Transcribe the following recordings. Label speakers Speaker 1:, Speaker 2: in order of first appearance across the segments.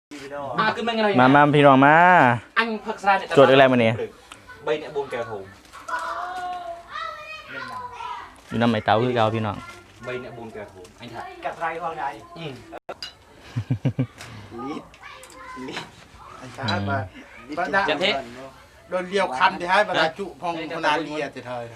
Speaker 1: มาพี่น้องมาจดอะไรมาเนี่ย
Speaker 2: ใบเนี่ยบนแก้วถุง
Speaker 1: อยู่น้ำไม้เต้าคือเก่าพี่น้อง
Speaker 2: ใบเนี่ยบนแก้วถุงanh thật
Speaker 3: กับไรของใด
Speaker 4: anh thái mà
Speaker 2: chẳng thế
Speaker 4: đôi liều khăn thì hai bà đã trụ phong con ăn lia thì thời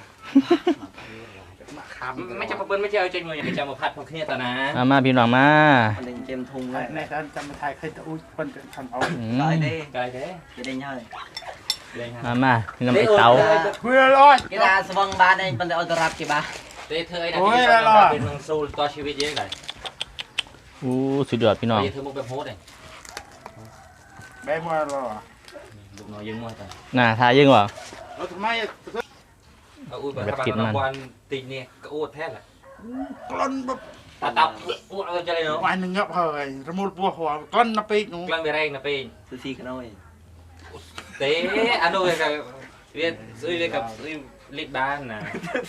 Speaker 2: ไม่จะมาเบิ้ลไม่เจอใจมืออย่างจะมาพัดพวกนี้ตอนนะ
Speaker 1: มาพี่น้องมา
Speaker 3: เกมทุ่งเลยในการจำมาไทยเคยจะอุ้ยคนจะทำเอา
Speaker 2: ไกลเด้ไกลเด้จะได้ง่าย
Speaker 1: มาอยู่น้ำไม้เต้า
Speaker 4: เพื่อรอด
Speaker 3: กีฬาสว่างบ้านเองเป็นเอาตรับกี่บ้า
Speaker 2: เต้เธอไอ้นาทีเป็นมังสูต่อชีวิตเยอะเลย
Speaker 1: สุดยอดพี่น้อง
Speaker 2: เธอมุกแบบโฮสเลย
Speaker 4: แม่มัวรอ
Speaker 2: ลูกน้อยยังมัวแต่
Speaker 1: น่าทายังวะ
Speaker 4: ทำไม
Speaker 2: อุ้ยแบบบางวันตีเนี่ยก็อ้วนแท้แหละ
Speaker 4: กล้นแบบ
Speaker 2: ตับอ้วนอะไรจะเลยเนาะ
Speaker 4: วันหนึ่งงับเฮ้ยระมุดบัวหัวกล้นนับปีกนู้น
Speaker 2: กล้นไปแรงนับปี
Speaker 3: ซูซี่กันหน่อย
Speaker 2: เต้อันนู้นกับเรียนซื้อเลยกับลิบบ้านนะ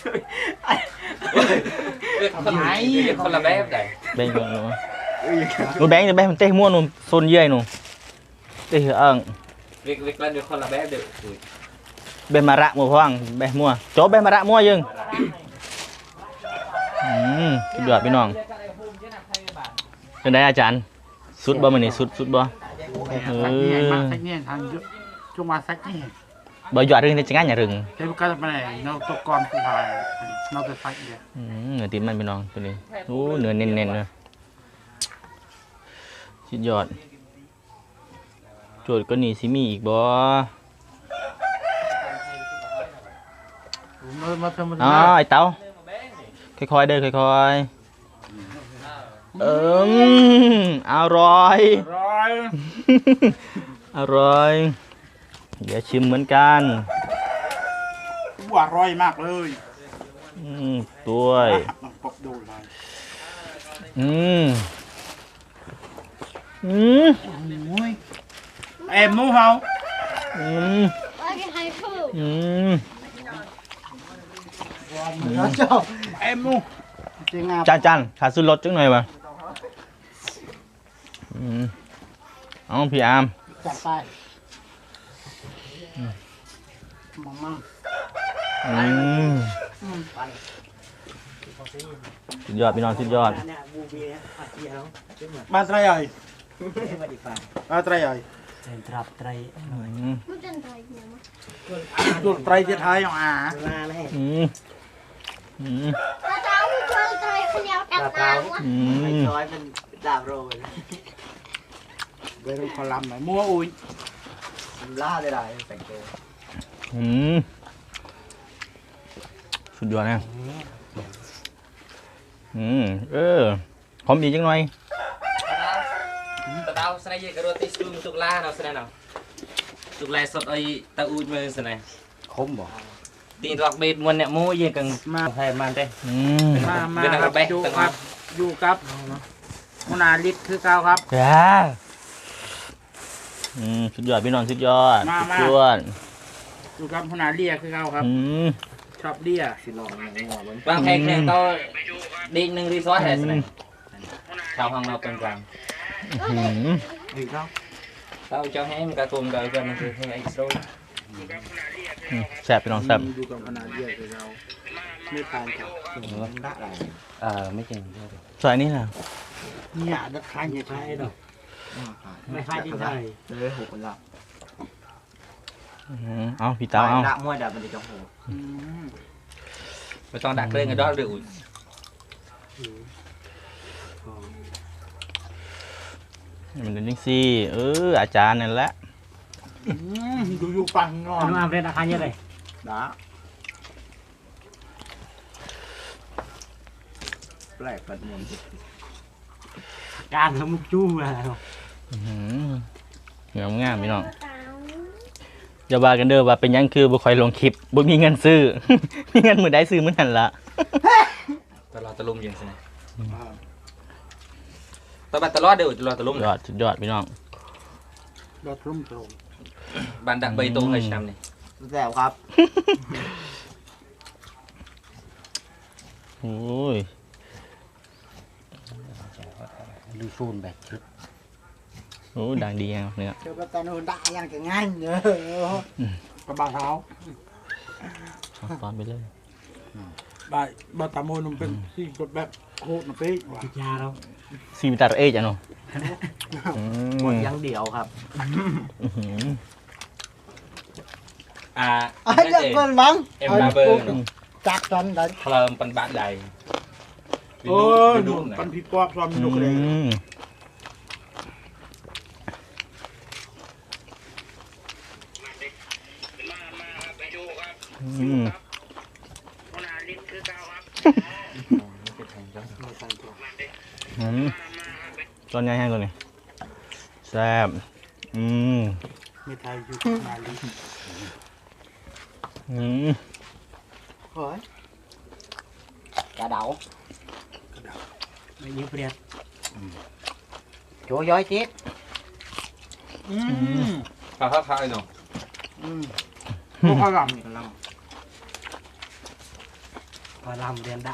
Speaker 2: คนละแบบไหน
Speaker 1: แบงค์หนูแบงค์จะแบงค์มันเตะม้วนหนูโซนเยื่อหนูเตะเอิง
Speaker 2: เรียกเล่นคนละแบบเด็ก
Speaker 1: เบมาระมัวฟังเบมัวโจ๊บเบมาระมัวยังสุดยอดพี่น้องเป็นไงอาจารย์สุดบ่มันนี่สุดบ่
Speaker 4: ช่วงมาสักนี่
Speaker 1: บ่หยอดเรื่องที่จะง่ายอย่ารึง
Speaker 4: เจ้าก็จะไปเราตกก่อนคือหายเราจะใส่เดียว
Speaker 1: เนื้อติมันพี่น้องตัวนี้เนื้อเน้นๆเลยสุดยอดโจทย์ก็หนีซิมีอีกบ่ไอ้เต้าค่อยๆเด้อค่อยๆอร่อยอร่อยเดี๋ยวชิมเหมือนกัน
Speaker 4: อร่อยมากเลย
Speaker 1: ด้วย
Speaker 4: ปกดูเลยเอ็มมูเฮาเอ็มมู
Speaker 1: จานขาซื้อรถจังหน่อยมาเอาพี่อาร์ม
Speaker 4: จัดไปมั่ง
Speaker 1: สุดยอดพี่น้องสุดยอด
Speaker 4: มาไตรใหญ่มาไตรใหญ่
Speaker 3: ตรับไตร
Speaker 4: ดูไตรจะทายอ่ะ
Speaker 5: ตาไตรขยับกันน้ำ
Speaker 3: ไม่ช้อยเป็นดาบโรย
Speaker 4: เวลาคอลัมน์ไหนมัวอุ้ย
Speaker 3: ล่าได้ไรแต่งตัว
Speaker 1: สุดยอดนะหอมดีจังหน่อย
Speaker 2: ตาสไนเกอร์โรติสตูมตุกล่าเนาะสไนเนาะตุกล่าสดไอตาอูดมือสไน
Speaker 3: คมบ่
Speaker 2: ตีนรักเบ็ดมันเนี่ยมูยังกังมาให้มันได้
Speaker 4: มาอยู่กับมุนาลิศคือเก่าครับ
Speaker 1: สุดยอดพี่น้องสุดยอดสุดยอด
Speaker 4: อยู่กับมุนาเลียคือเก่าครับชอบเลียสิลอง
Speaker 2: บางแห่งเนี่ยก็ดีหนึ่งรีสอร์ทแห่งนึงชาวห้องเรากลาง
Speaker 4: ดีครับ
Speaker 2: เราจะให้มันกระตุ้นกันกันคือให้ไอ้โซ่
Speaker 1: แซ่บพี่น้องแซ่บ
Speaker 4: อยู่กับมุนาเลียคือเราไม่ทานกับ
Speaker 2: ไม่เก่งด้วย
Speaker 1: ซอยนี้นะ
Speaker 4: เนี่ยนักขายเนี่ยใช่หรอ
Speaker 3: ไม่ขายที่ไหนเลยหกคนละ
Speaker 1: เอาพี่เต้าเอา
Speaker 3: ดักมวยดักมันจะจงหัว
Speaker 2: ไม่ต้องดักเรื่องกันด้อยเดือด
Speaker 1: มันเป็นยังซี่อาจารย์นั่นแหละ
Speaker 4: อยู่ปังงอน
Speaker 3: น้ำเป็นอาคารยังไง
Speaker 4: ด่าแปลกปัดมน
Speaker 3: การทำมุกจู้มา
Speaker 1: งามพี่น้องอย่าว่ากันเด้อว่าเป็นยังคือบุคอยลงคลิปบุมีเงินซื้อมีเงินมือได้ซื้อมื้อนั้นละ
Speaker 2: ตลอดตะลุมยังสินะตลอดเดี๋ยวตลอดตะลุม
Speaker 1: สุดยอดพี่น้อง
Speaker 4: ยอดรุ่มตรง
Speaker 2: บันดักใบตรงเลยชามนี่
Speaker 3: แซวครับ
Speaker 1: โอ้ย
Speaker 3: ดูซูนแบบชุด
Speaker 1: โอ้ดังดีอ่ะเนี่ย
Speaker 4: เดี๋ยวก็ตอนนู้นด่าอย่างจะง่ายเนอะกับบาเท้า
Speaker 1: ตอนไปเลย
Speaker 3: บาตามวยมันเป็นสิ่งกดแบบโหดนะพี่ว่ะ
Speaker 4: ยาเรา
Speaker 1: ซีวิตาเอจ้ะเนาะ
Speaker 2: หมดยังเดียวครับ
Speaker 4: ไอ้เด็กคนบัง
Speaker 2: em ba bơ
Speaker 4: จักตอนนั้น
Speaker 2: เพลิมปันบะใด
Speaker 3: โอ้ยดูปันพี่ปอบซ้อมดูกันเลย
Speaker 1: ตอนยังไงตัวนี้แซ่บ
Speaker 3: มีไทยอยู่มาลี
Speaker 4: เฮ้ยกระเดาไม่ยืมเปรียบโจ้ย้อยchết
Speaker 2: ข้าวข้าวไอ้หนู
Speaker 3: พวกเขาหลัง
Speaker 4: พอลำเรียนได้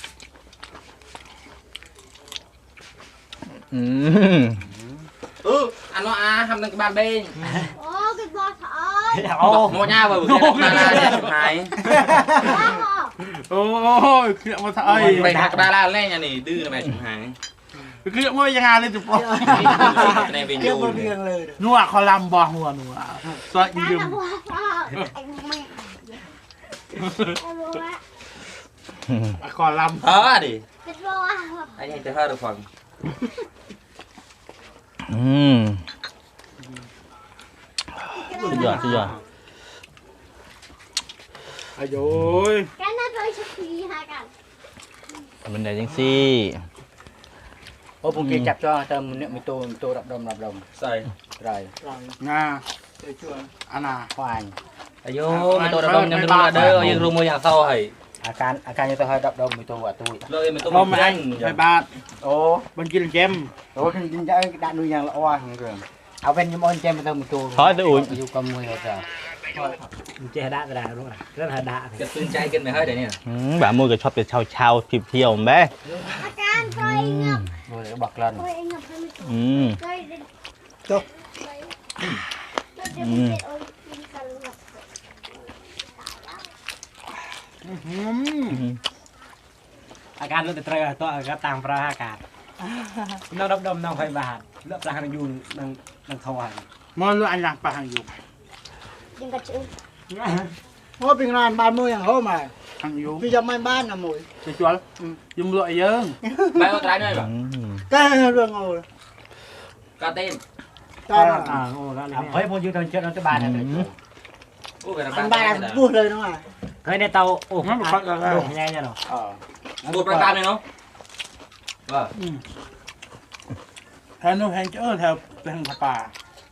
Speaker 2: anh nói hâm đang cái bàn bên
Speaker 5: โอ้กินบอสเอ้ย
Speaker 2: mua nhau vào bữa nay là chụp hài
Speaker 3: โอ้ยเครียดมาไทย
Speaker 2: mày hạt ba la lên nhà này đưa mày chụp hài
Speaker 3: เครียดมายังไงเลยจุ๊บ
Speaker 2: này về
Speaker 4: เรียก
Speaker 2: nhiều
Speaker 4: ว่าเรียงเลย
Speaker 3: นัวคอลัมบ่หัวนัวซอยยืม
Speaker 5: บอสไอ้แม่ไอ้บัว
Speaker 3: คอลัม
Speaker 2: ờ đi
Speaker 5: กินบอส
Speaker 2: anh ấy tới hơi được phần
Speaker 1: สุดยอดสุดยอด
Speaker 3: อายุย
Speaker 5: กันนั่นเลยชุดผีหากัน
Speaker 1: มันได้จังซี่
Speaker 4: โอ้ผมเก็บจับcho tầm niệm mi tô đập đồng
Speaker 2: xây
Speaker 4: rồi
Speaker 3: งา
Speaker 4: chơi chua
Speaker 3: อาณา
Speaker 4: hoài
Speaker 2: ayo mày tôi đã đông nhầm đừng là đơ nhưng rồi mua nhà sau hay
Speaker 4: อาการจะhơi đập đồng mi tô và tôi
Speaker 2: rồi mày tôi
Speaker 3: ลมอันไปบาท
Speaker 4: ô
Speaker 3: บันกินเกม
Speaker 4: ô thì chính đã đã nuôi nhàng là oa rồi áo bên như món chem mi tô mi tô
Speaker 1: thôi tôi uống
Speaker 4: dù cầm mùi rồi chơi đá cái đá luôn rất là đá
Speaker 2: cái tương chay kinh mày hơi đấy nè
Speaker 1: บ้ามือก็ชอบจะเช้าๆเที่ยวๆแม่
Speaker 5: อาการเคยงับ
Speaker 4: rồi nó bật lên
Speaker 5: เคยงับให้มัน เคย
Speaker 4: จบ
Speaker 5: แล้วเดี๋ยวมันเป็นโอ้ยกินกันงับ
Speaker 4: อาการรถติดเรือตัวก็ตามพระอากาศน้องดมน้องไฟบาทเลือกปลาหันยูนังทวาร
Speaker 3: มอลูอันหลังปะหังอยู่
Speaker 5: ยังกระชือ
Speaker 4: ว่าเป็นงานบ้านมืออย่างเขามา
Speaker 3: หังอยู่
Speaker 4: พี่จะไม่บ้านนะมวย
Speaker 3: จะจวดยุ่งรวยเยอะ
Speaker 2: mày có trái nơi bảo
Speaker 4: ก็เรื่องเอา
Speaker 2: có tên
Speaker 4: ตอนเฮ้ยพออยู่ตอนเช้าตอนจะบ้านนะ
Speaker 2: ui cái
Speaker 4: มัน
Speaker 2: là
Speaker 4: บ้าน
Speaker 2: bàn
Speaker 4: พูดเลยน้องอ่ะเคยในเตาโอ้
Speaker 3: มันฟักอะไร
Speaker 4: โด่งใหญ่เนี่ยหรอ
Speaker 2: một bàn bàn này nó vâng
Speaker 3: แถวนู้นแถวเจอแถวเป็นป่า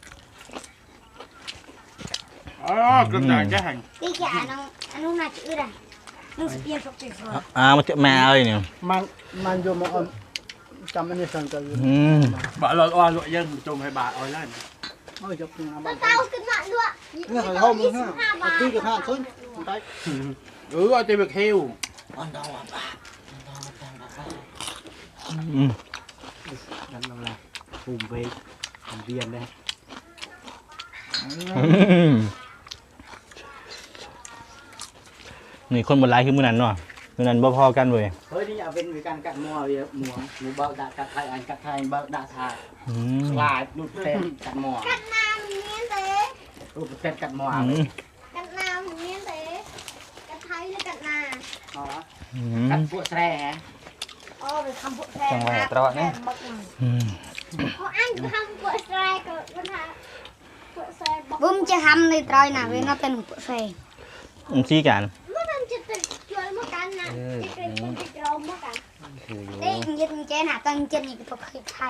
Speaker 3: อ๋อกระต่ายจะหัน
Speaker 5: ตีแกอันนู้นน่าจะอึดอ่ะนู้นเปลี่ยนสติสวย
Speaker 1: มาเจอแม่เลยเนี่ย
Speaker 4: มันอยู่มาจำไม่ได้สั่งกัน
Speaker 3: บ่ลอยอ้อนลอยยังจมให้บาทอ้อยนั่น
Speaker 4: โอ้ยจบงาน
Speaker 5: ตั
Speaker 4: บ้า
Speaker 5: วน เต้าขึ้นมาด้วย
Speaker 4: เนี่ยเขาเข้ามือห้าตีกับห้าซุ้นไป
Speaker 3: เอาเต็มไปคิว
Speaker 4: นั่นแหละปุ่มไปเวียนเลย
Speaker 1: นี่คนบนไลน์คือมือนั้นเนาะมือนั้นบ่พอกันเว้ย
Speaker 4: เฮ้ยนี่เอาเป็นการกัดมัวเวียมัวเบาด่ากัดไทยอันกัดไทยเบาด่าทาลายหลุดเส้นกัดมัว
Speaker 5: กันน้ำเนี้ยเต๋
Speaker 4: หลุดเส้นกัดมัว
Speaker 5: กันน้ำเนี้ยเต๋กันไทยหรือกันนา
Speaker 4: อ๋อกัดพวกแร่
Speaker 5: อ๋อเป็นคำพูดแทนนะแทนบักหน่อยเพราะอันคือคำพูดแทนก็มันหาพูดแทนบักบุ้มจะทำในตรอยนะเว้ยน่าเป็นพูดแทน
Speaker 1: ซี่กัน
Speaker 5: มันจะติดช่วยมากันนะที่เป็นคนติดเรามากันเด็กยิงเจนหาตั้งเจนนี่ก็ต้องคิดไทย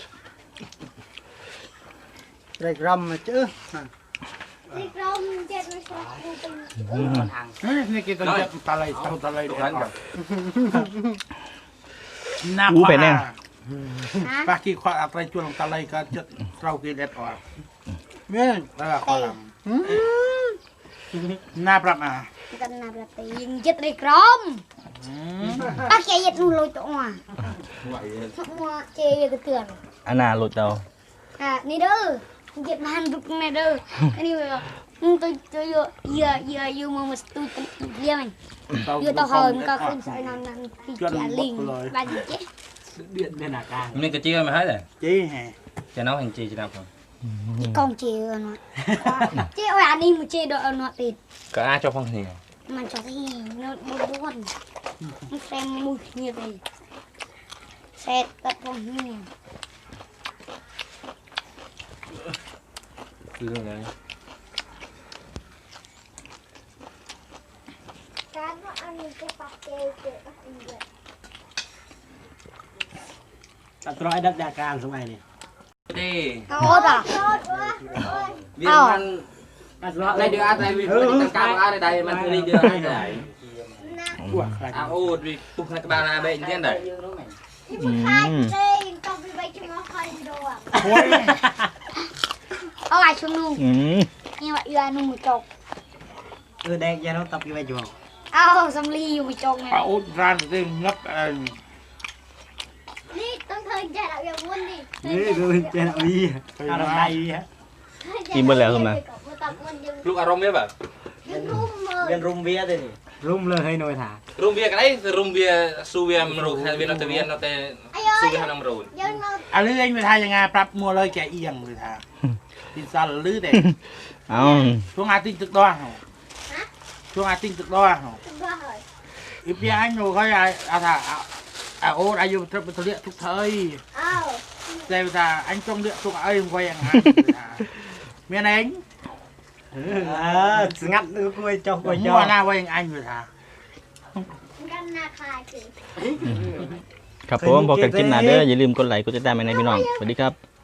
Speaker 4: เด็กรำมาเจอ
Speaker 5: ติดเราเจนไม่ชอบกูเป็น
Speaker 4: ทาง
Speaker 3: นี่กินตัวตะไลตะไล
Speaker 2: đồ ăn cả
Speaker 3: น้า
Speaker 1: อู้เป็นแน่
Speaker 3: ปากีควาอะไรชวนตะไลก็จะเรากินเด็ดอ่อน
Speaker 4: เมื่อ
Speaker 3: แล้วก็คอลัมหน้าปรับมา
Speaker 5: กันนะประตียิงจิตริกรมป้าแกยัดนูลอยตัวมัวเจยกระเตือน
Speaker 1: อันน่าหลุดเอา
Speaker 5: à này đơ Việt Nam được này đơ anh yêu tôi giờ mà tôi kia mình giờ tao hơn có không sai nào thì trả liền ba gì chứ
Speaker 4: điện bên là càng
Speaker 2: mình cái chia mà hết rồi
Speaker 3: Chí hè.
Speaker 2: cho nó hành chi cho nào không
Speaker 5: con chê nó chê ơi anh đi một chê độ nó thì
Speaker 2: có ai cho phong thì
Speaker 5: mà cho thì nó buồn nó xem mùi như vậy xe tập phong như này
Speaker 2: cứ rồi
Speaker 5: cá nó ăn cái bạc kêu kìa
Speaker 4: ตัดร้อยดักดาการสมัยนี่
Speaker 2: đi
Speaker 5: tốt à
Speaker 2: viên man đây đưa ai đây viên man cao ai đây man đi đưa ai đây à ô vì tụt cái bao này bệnh thế này
Speaker 5: ở lại xuống luôn nhưng mà yêu anh một chục
Speaker 4: แดงยาน้องตับกี่ใบจุ๋ม
Speaker 5: ao xong ly một chục này
Speaker 3: À út ran thì ngấp
Speaker 5: đi tôi thời chạy đạo yêu muốn đi
Speaker 4: นี่ดูเจนเอาดีเอาไดฮะ
Speaker 1: Im bên lẹ không mà.
Speaker 2: lúc arom biết bảo
Speaker 4: เวียนรุมเวียเลยนี่รุมเลยให้หน่อยถา
Speaker 2: rum bia cái đấy rum bia su bia mruk hay viên nó viên nó tê su bia năm rồi
Speaker 3: À lưới anhไปทายยังไงปรับมัวเลยแกเอียงเลยท่าดินซันลื้อเด็ก
Speaker 1: Không.
Speaker 3: ช่วงอาติ้งตึกด้อช่วงอาติ้งตึกด้ออีพี่anhหนูเขาอาถาโอ้อายุทบทเลียทุกเทยแต่ท่าanh trong địa thuộc ai không quay hàng miền anh
Speaker 4: สงัดดูกล้วยจอกกล้วยจอ
Speaker 3: mua na quay anh rồi thà
Speaker 1: ครับผมพอกันคลิปหน้าเด้ออย่าลืมกดไลค์กดติดตามให้ในพี่น้องสวัสดีครับ